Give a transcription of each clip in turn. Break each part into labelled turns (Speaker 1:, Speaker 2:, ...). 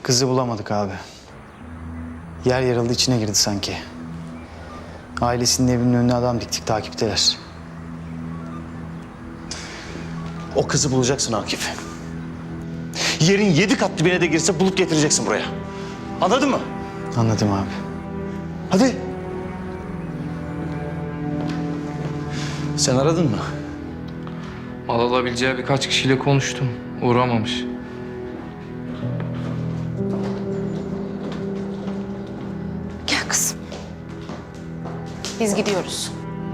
Speaker 1: Kızı bulamadık abi. Yer yarıldı, içine girdi sanki. Ailesinin evinin önüne adam diktik, takipteler.
Speaker 2: O kızı bulacaksın Akif. Yerin 7 kat dibine de girse bulup getireceksin buraya. Anladın mı?
Speaker 1: Anladım abi.
Speaker 2: Hadi. Sen aradın mı?
Speaker 3: Mal alabileceği birkaç kişiyle konuştum. Uğramamış.
Speaker 4: Gel kızım. Biz gidiyoruz.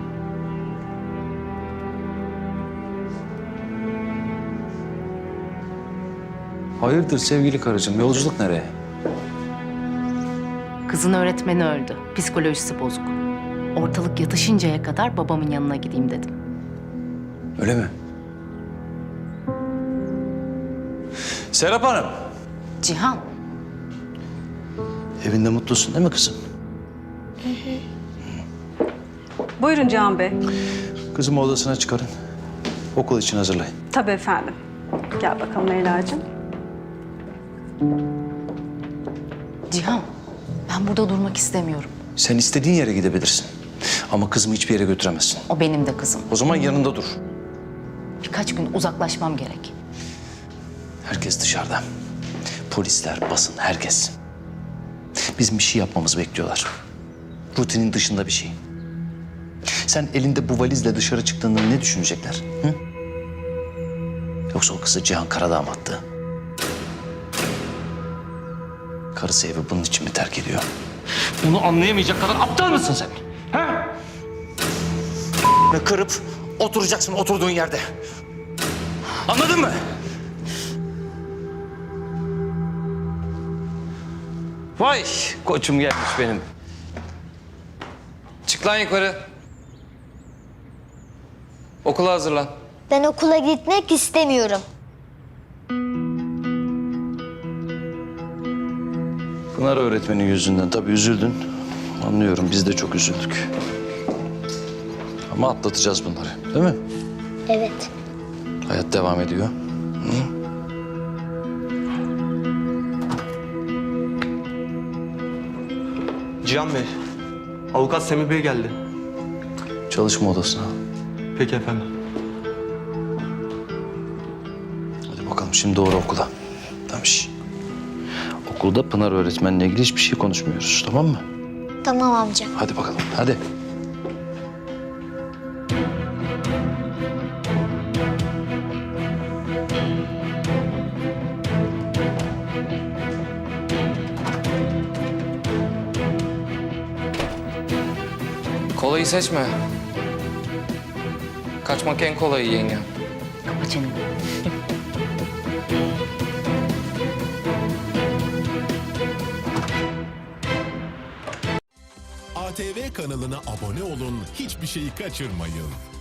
Speaker 2: Hayırdır sevgili karıcığım, yolculuk nereye?
Speaker 4: Kızın öğretmeni öldü. Psikolojisi bozuk. Ortalık yatışıncaya kadar babamın yanına gideyim dedim.
Speaker 2: Öyle mi? Serap Hanım.
Speaker 4: Cihan,
Speaker 2: Evinde mutlusun değil mi kızım?
Speaker 5: Buyurun Cihan Bey.
Speaker 2: Kızımı odasına çıkarın. Okul için hazırlayın.
Speaker 5: Tabii efendim. Gel bakalım Leyla'cığım.
Speaker 4: Cihan, ben burada durmak istemiyorum.
Speaker 2: Sen istediğin yere gidebilirsin. Ama kızımı hiçbir yere götüremezsin.
Speaker 4: O benim de kızım.
Speaker 2: O zaman yanında dur.
Speaker 4: Birkaç gün uzaklaşmam gerek.
Speaker 2: Herkes dışarıda. Polisler, basın, herkes. Bizim bir şey yapmamızı bekliyorlar. Rutinin dışında bir şey. Sen elinde bu valizle dışarı çıktığında ne düşünecekler? Hı? Yoksa o kızı Cihan Karadağ mı attı? Karısı evi bunun için mi terk ediyor?
Speaker 3: Bunu anlayamayacak kadar aptal mısın sen? Ha?
Speaker 2: Ve kırıp oturacaksın oturduğun yerde. Anladın mı?
Speaker 3: Vay koçum gelmiş benim. Çık lan yukarı. Okula hazırlan.
Speaker 6: Ben okula gitmek istemiyorum.
Speaker 2: Pınar öğretmenin yüzünden tabii üzüldün. Anlıyorum, biz de çok üzüldük. Ama atlatacağız bunları, değil mi?
Speaker 6: Evet.
Speaker 2: Hayat devam ediyor.
Speaker 7: Cihan Bey, avukat Semih Bey geldi.
Speaker 2: Çalışma odasına.
Speaker 7: Peki efendim.
Speaker 2: Hadi bakalım şimdi doğru okula. Tamam şş. Okulda Pınar öğretmenle ilgili hiçbir şey konuşmuyoruz, tamam mı?
Speaker 6: Tamam amca.
Speaker 2: Hadi bakalım, hadi.
Speaker 3: Kolayı seçme. Kaçmak en kolayı yenge.
Speaker 4: Kapa çeneni.
Speaker 8: ATV kanalına abone olun, hiçbir şeyi kaçırmayın.